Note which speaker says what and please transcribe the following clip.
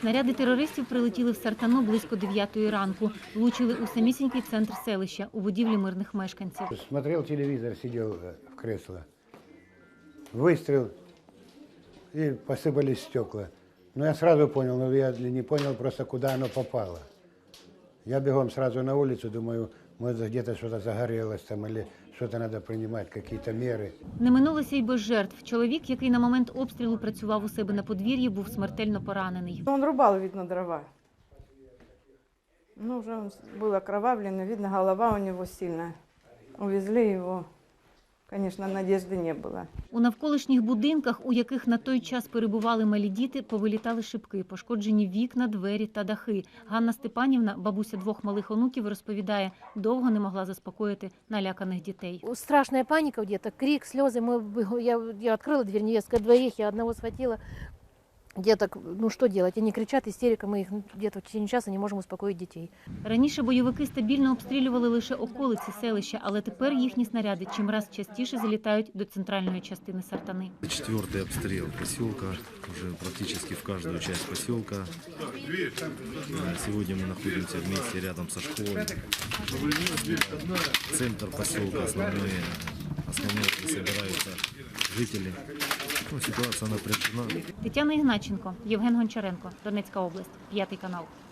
Speaker 1: Снаряди терористів прилетіли в Сартану близько 9-ї ранку. Влучили у самісінький центр селища, у будівлі мирних мешканців.
Speaker 2: Смотрел телевизор, сидел в кресло. Выстрел, и посыпались стекла. Но я сразу понял, но я не понял просто, куда оно попало. Я бегом сразу на улицу, думаю, может, где-то что-то загорелось там, или что-то надо принимать, какие-то меры.
Speaker 1: Не минулося й без жертв. Чоловік, який на момент обстрілу працював у себе на подвір'ї, був смертельно поранений.
Speaker 3: Он рубал, видно, дрова. Ну, уже он был окровавленный, видно, голова у него сильная. Увезли его. Конечно, надежды не было.
Speaker 1: У навколишніх будинках, у яких на той час перебували малі діти, повилітали шибки, пошкоджені вікна, двері та дахи. Ганна Степанівна, бабуся 2 малих онуків, розповідає, довго не могла заспокоїти наляканих дітей.
Speaker 4: Страшная паника где-то, крик, слезы. Я открыла дверь, невестка 2, я одного схватила. Где-то, ну что делать, они кричат, истерика, мы их где-то в течение часа не можем успокоить детей.
Speaker 1: Раніше бойовики стабільно обстрілювали лише околиці селища, але тепер їхні снаряди чимраз частіше залітають до центральної частини Сартани.
Speaker 5: 4-й обстрел поселка, уже практически в каждую часть поселка. Сегодня мы находимся вместе рядом со школой. Центр поселка, основные, где собираются жители. Ну, ситуация напряжена.
Speaker 1: Тетяна Ігначенко, Євген Гончаренко, Донецька область, 5 канал.